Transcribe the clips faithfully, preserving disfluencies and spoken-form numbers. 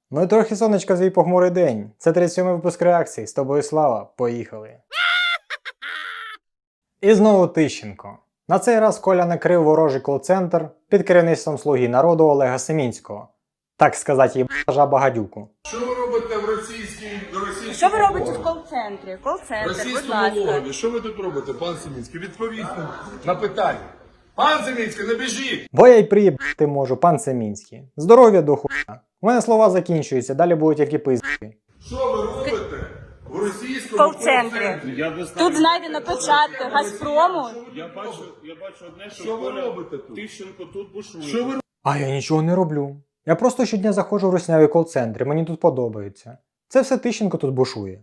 Ну і трохи сонечка в свій похмурий день. Це тридцять сьомий випуск реакції. З тобою слава. Поїхали. І знову Тищенко. На цей раз Коля накрив ворожий кол-центр під керівництвом слуги народу Олега Семінського. Так сказати, їбажа багадюку. Що ви робите в російській, в російській Що ви робите в кол-центрі? Кол-центр, будь російському ласка. логові? Що ви тут робите, пан Семінський? Відповідь на питання. Пан Семінський, не біжіть! Бо я й приїбати можу, пан Семінський. Здоров'я до хуя. У мене слова закінчуються, далі будуть тільки пизди. Що ви робите в російському Кол-центрі. кол-центрі? Тут знайдено печатки Газпрому. Я бачу, я бачу одне, що, Що ви Коля робите тут? Тищенко тут бушує. Що ви А я нічого не роблю. Я просто щодня заходжу в русняві кол-центри, мені тут подобається. Це все Тищенко тут бушує.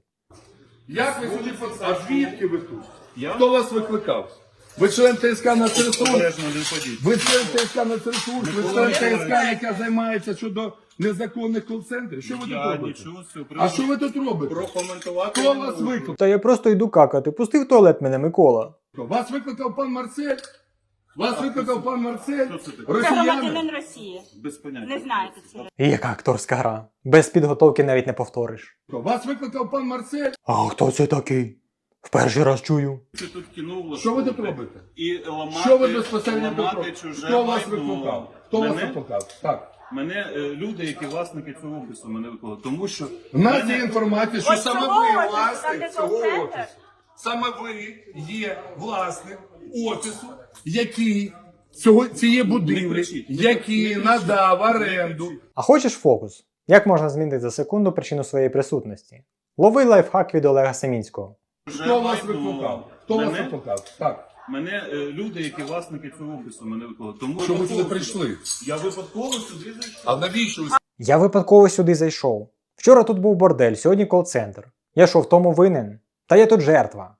Як ви сюди потрапили? А звідки ви тут? Я? Хто вас викликав? Ви член ТСК на ресурс? Обережно не ходіть. Ви член ТСК на ресурс? Ви член ТСК, яка займається щодо незаконних кол-центрів? Що ви тут Я робите? нічого з цього А приводу що ви тут робите? прокоментувати. Хто не вас можу. викликав? Та я просто йду какати, пусти в туалет мене, Микола. Вас викликав пан Марсель? Вас викликав пан Марсель? Хто це такий? Це Росіяни? громадянин Росії. Без поняття. Не знаєте цього. І яка акторська гра. Без підготовки навіть не повториш. Вас викликав пан Марсель? А хто це такий? В перший раз чую. Це тут кіно влаштовувати. Що ви тут робите? І ламати, Що ви безпосередньо тут ламати робите? чуже Хто вас майно. викликав? Хто вас Мене? викликав? Так. Мене е, люди, які власники цього офісу, мене викликали. Тому що У нас мене- є інформація, що Ось саме цього ви офісу, власник там, де цього кол-центр? офісу. Саме ви є власник офісу, який цього, цієї будівлі, кричіть, не який кричіть, надав не оренду. кричіть. А хочеш фокус? Як можна змінити за секунду причину своєї присутності? Лови лайфхак від Олега Семінського. Чуже Хто вас майно. викликав? Хто вас Мене? викликав? Так. Мене е, люди, які власники цього офісу, мене викликали. Тому Що ви випадково сюди прийшли? Я випадково сюди зайшов. А навіщо ви Я випадково сюди зайшов. Вчора тут був бордель, сьогодні кол-центр. Я що, в тому винен? Та я тут жертва.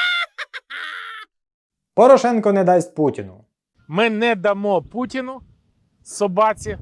Порошенко не дасть Путіну. Ми не дамо Путіну, собаці,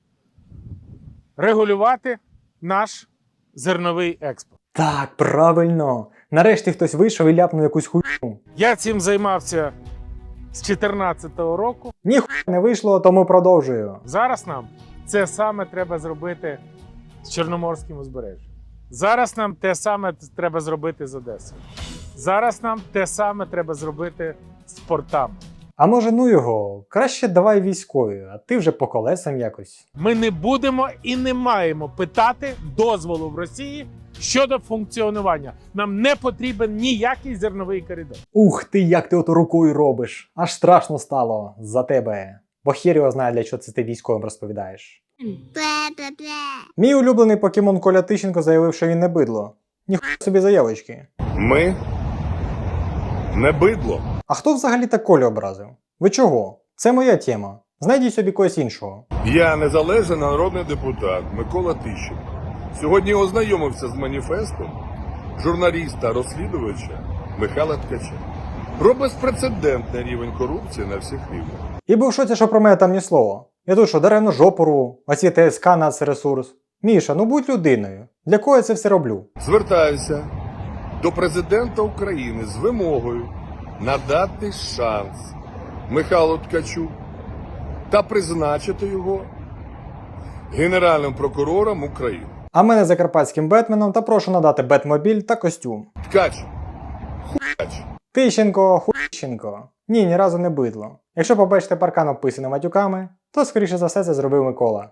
регулювати наш зерновий експорт. Так, правильно. Нарешті хтось вийшов і ляпнув якусь хуйню. Я цим займався з чотирнадцятого року. Ніхуя не вийшло, тому продовжую. Зараз нам це саме треба зробити з Чорноморським узбережжям. Зараз нам те саме треба зробити з Одесою. Зараз нам те саме треба зробити з портами. А може ну його, краще давай військові, а ти вже по колесам якось. Ми не будемо і не маємо питати дозволу в Росії щодо функціонування. Нам не потрібен ніякий зерновий коридор. Ух ти, як ти ото рукою робиш. Аж страшно стало за тебе. Бо хір його знає, для чого це ти військовим розповідаєш. Мій улюблений покемон Коля Тищенко заявив, що він не бидло. Ніхуя собі заявочки. Ми не бидло. А хто взагалі так Колю образив? Ви чого? Це моя тема. Знайдіть собі когось іншого. Я незалежний народний депутат Микола Тищенко. Сьогодні ознайомився з маніфестом журналіста-розслідувача Михайла Ткача. Про безпрецедентний рівень корупції на всіх рівнях. І був в шоці, що про мене там ні слова. Я тут що, даремно жопу рву, оці ТСК нацресурс. Міша, ну будь людиною. Для кого я це все роблю? Звертаюся до президента України з вимогою надати шанс Михайлу Ткачу та призначити його Генеральним прокурором України. А мене закарпатським Бетменом та прошу надати Бетмобіль та костюм. Ткач, хуяч. Тищенко, хуйщенко. Ні, ні разу не бидло. Якщо побачите паркан обписаний матюками, то скоріше за все це зробив Микола.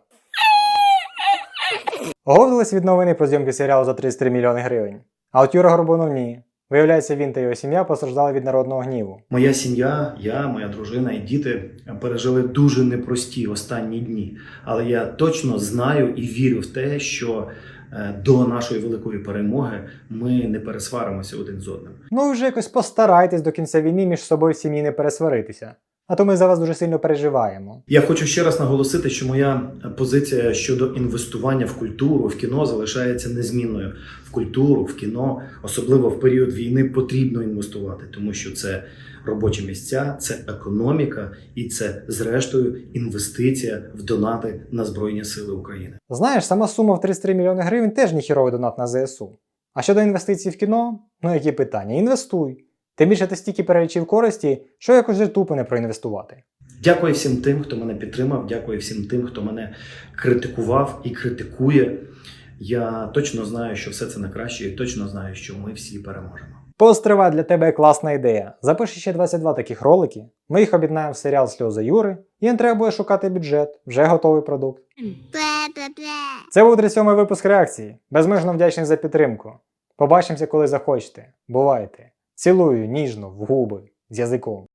Оговтались від новини про зйомки серіалу за тридцять три мільйони гривень. А от Юра Горбунов ні. Виявляється, він та його сім'я постраждали від народного гніву. Моя сім'я, я, моя дружина і діти пережили дуже непрості останні дні. Але я точно знаю і вірю в те, що до нашої великої перемоги ми не пересваримося один з одним. Ну і вже якось постарайтесь до кінця війни між собою в сім'ї не пересваритися. А то ми за вас дуже сильно переживаємо. Я хочу ще раз наголосити, що моя позиція щодо інвестування в культуру, в кіно залишається незмінною. В культуру, в кіно, особливо в період війни, потрібно інвестувати, тому що це робочі місця, це економіка і це, зрештою, інвестиція в донати на Збройні Сили України. Знаєш, сама сума в тридцять три мільйони гривень теж ніхіровий донат на ЗСУ. А щодо інвестицій в кіно, ну які питання? Інвестуй. Тим більше ти стільки перелічив користі, що якось вже тупо не проінвестувати. Дякую всім тим, хто мене підтримав, дякую всім тим, хто мене критикував і критикує. Я точно знаю, що все це на краще, і точно знаю, що ми всі переможемо. Постривай, для тебе класна ідея. Запиши ще двадцять два таких ролики, ми їх об'єднаємо в серіал «Сльози Юри», і не треба буде шукати бюджет, вже готовий продукт. Це був тридцять сьомий випуск реакції. Безмежно вдячний за підтримку. Побачимося, коли захочете. Бувайте. Цілую ніжно в губи з язиком.